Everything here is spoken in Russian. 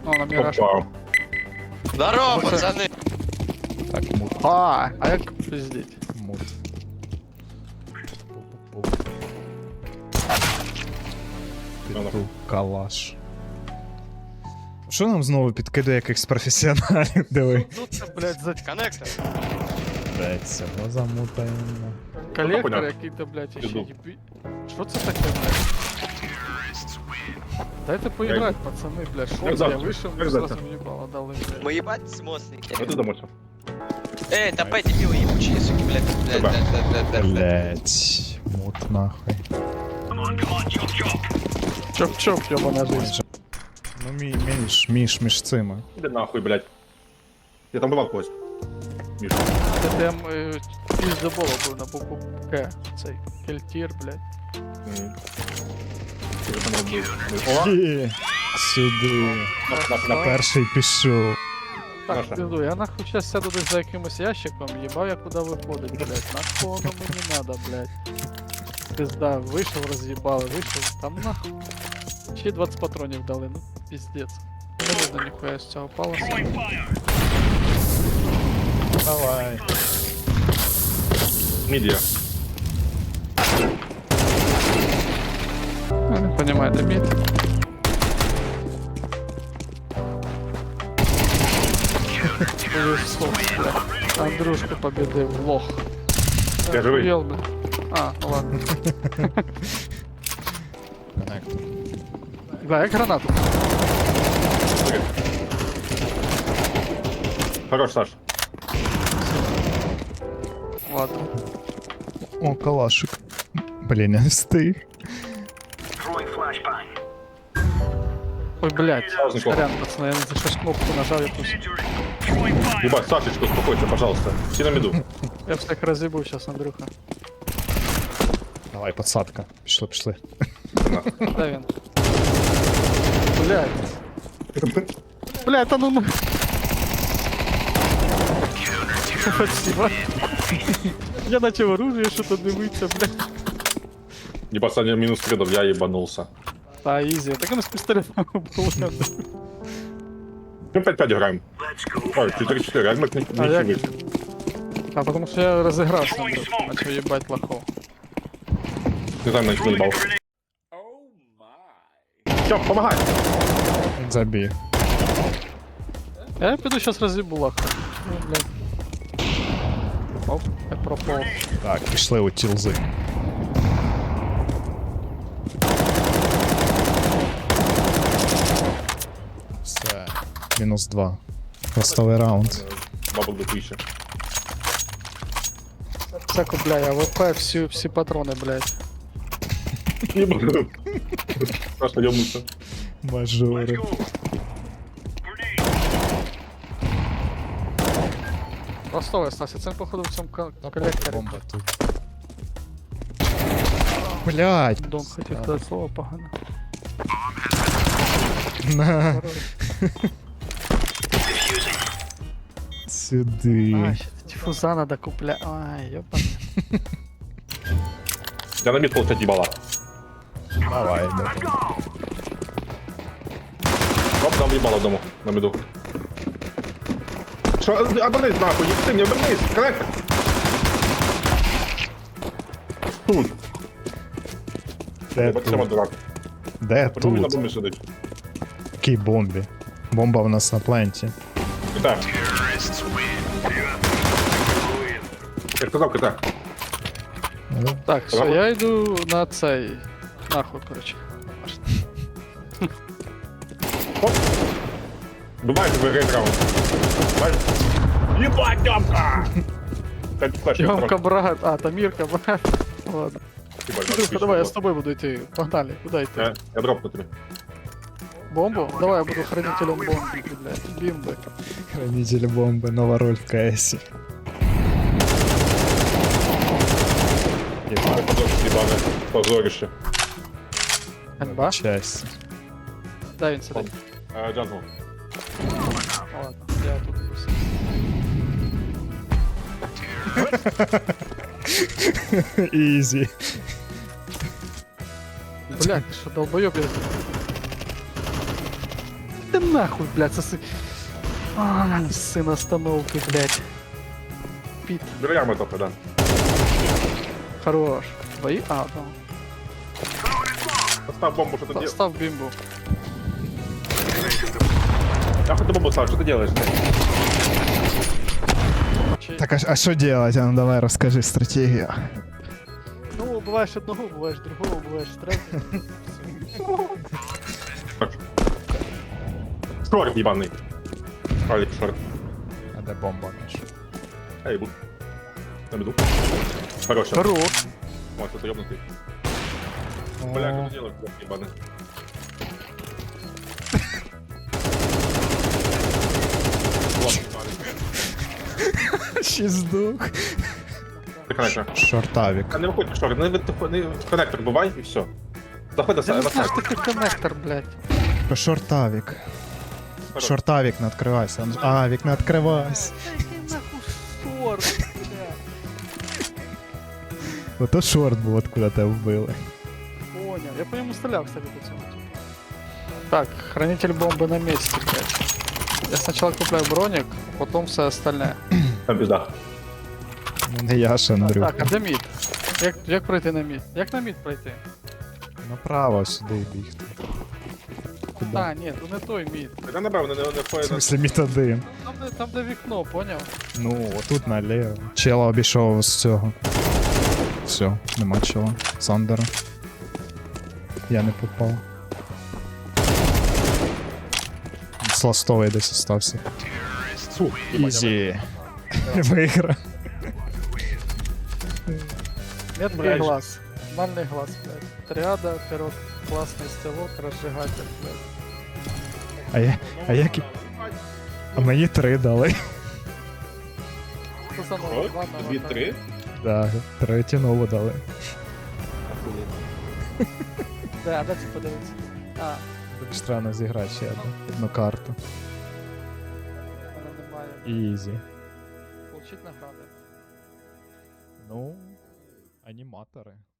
О, на міраж. Опа. Здорово, пацаны! Так, мут, А як пиздіть? мут. Піду калаш. Що нам знову підкидає якихось професіоналів, диви? Ну це, блядь, за Коннектор. Блять, цього замутаємо. колектор понятно. який-то, блядь, ще Іду. єбі. Що це таке, блядь? Дайте поіграти, пацани, блядь. Що Як це? Я завтра. вийшов, Як мені завтра. зразу їбало дали, блядь. Мы ебать смосники. А ти домойся. Топай, дебилы ебучие, суки, блядь. Давай. Блять, мут нахуй. Чоп-чоп, ёбана жизнь. Ну між цими. Іди нахуй, блядь. Я там бував когось. Міш. Це прям піздоболо був на букву К. Цей кельтір, блядь. Ти ж там робив. О, Є, сюди. на Перший пішов. Так, Наша. пизду, я нахуй сейчас сяду десь за якимось ящиком, їбав я куди виходить, блядь. Нахуй воно мені надо, блядь. Пизда, вийшов, роз'їбали, вийшов, там нахуй. Ще 20 патронів дали, ну пиздец. Не видно ніхуя з цього паласа. Давай. Мідія. Я не понимаю, де мід. Повезло, блядь. Андрюшку победив, лох. Я живий. Охуєл, блядь. А, ну ладно. Коннектор. Да, як гранату. Хорош, Саш. Ладно. О, калашик. Блін, я не встиг. Ой, блядь, Сразу сорян, пацаны, я за щось кнопку нажав якусь. Ебать, Сашечка, успокойся, пожалуйста. Все на меду. Я всех разъебу сейчас, Андрюха. Давай, подсадка. Пішли. Да, вин. Блядь. Блядь, а ну... Спасибо. Я начал оружие что-то дивиться, блядь. Ебать, Саня минус кредов, я ебанулся. Да, изи. Так оно с пистолетом было. Мы 5-5 играем. Ой, 4-4, Альмак не А я... выйти. А потому что я разыгрался, Андрюх. Начал ебать лохов. Не знаю, на них наебал. Все, помогай. Забій. Я пойду сейчас разъебу лоха. Ну, блядь. Оп, я пропал. Так, пішли у тілзи. Все. Мінус 2. Хвостовий раунд. Бабл до 1000. Це купляю, АВП, всі патрони, блядь. Ебать. Просто ёбнуться. Мажори. Ростове, Стася, це походу в цьому колекторі. Бомба тут. Блять. Дом хотів сказати слово погано. На. Сюди. А, ще дифуза надо купляти. Ай, ёпан. Я на мид получать ебала. Давай, давай. Оп, там ебало дому, на меду. Что, обернись нахуй, ты не обернись, корректно. Тут, Де ебать, сама тут? дурак. Де Почему на тут? бомбе сидить? Якій бомбі? Бомба в нас на пленті. Китай. Я сказал, Китай. Так, все, Ладно. я йду на цей. Нахуй, короче. Бывает выиграет раунд. Ебать, Демка! Кстати, флеш, я Йомка, сразу- брат. А, Тамирка, брат. Ладно. Ебать, Андрюха, отлично давай, я было. с тобой буду идти. Погнали, куда идти? Я дропну тебе. Бомбу? Давай, я буду хранителем бомбы, блядь. Бимбы. Хранитель бомби, нова роль в КС. Ебаное позорище. НБА? Часть. Да, він сидить. Джангл. Ладно, я тут пусть. Ізі. Блядь, ты что, долбоёб, я... Ты нахуй, блядь, сосы. А, сын остановки, блядь. Пит, Дверями топи, да. хорош. Твои? А, да. Поставь бомбу, что ты делаешь? Ставь бимбу. Я хоть бомбу ставлю, что ты делаешь? Так, а что делать? А ну давай расскажи стратегию. Ну, бываешь одного, бываешь другого, бываешь третьего. Шорт ебаный. Алик, шорт. А де бомба наша? Эй, буд. На беду. Хорош. Хорош. Вот, это ёбнутый. Бля, что ты делаешь, блядь, ебаный? Вот, ебаный. Ще здох. Ты коннектор. Шортавик. А не виходь в шорт, не в коннектор бувай і все. Заходь Я на не знаю, сайт. что такое коннектор, блядь. Шортавик. Шортавик, не відкривайся. А, вік не відкривайся. Який нахуй шорт, блядь. Ото шорт був, откуда тебе вбили. Понял. Я по нему стрелял, кстати, по цьому. Так, хранитель бомбы на месте, блядь. Я сначала купляю броник, потом все остальное. Там пизда. Ну не я ж, Андрюх. Так, а де мід? Як пройти на мід? Як на мід пройти? Направо сюди бігти. Куди? А, ні, то не той мід. Я напевно не В входить на... смысле міт один. Там де вікно, поняв? Ну, отут наліво. Чела обійшов з цього. Все, нема чела. Сандера. Я не попав. Сластовий десь остався. Фу, Ізі. Виграв. Меткий Блядь. глаз. Нормальний глаз, блядь. Триада, пирог, класний стилок, розжигатель, блядь. А як... А мені 3 дали. Що за Що? нового? Два нового, так. 2-3? Да, 3 нову дали. Де, а де це подивитися? А, Тобі ж треба зіграти ще одну карту. вона немає. Ізі. Получить награди. Ну, аніматори.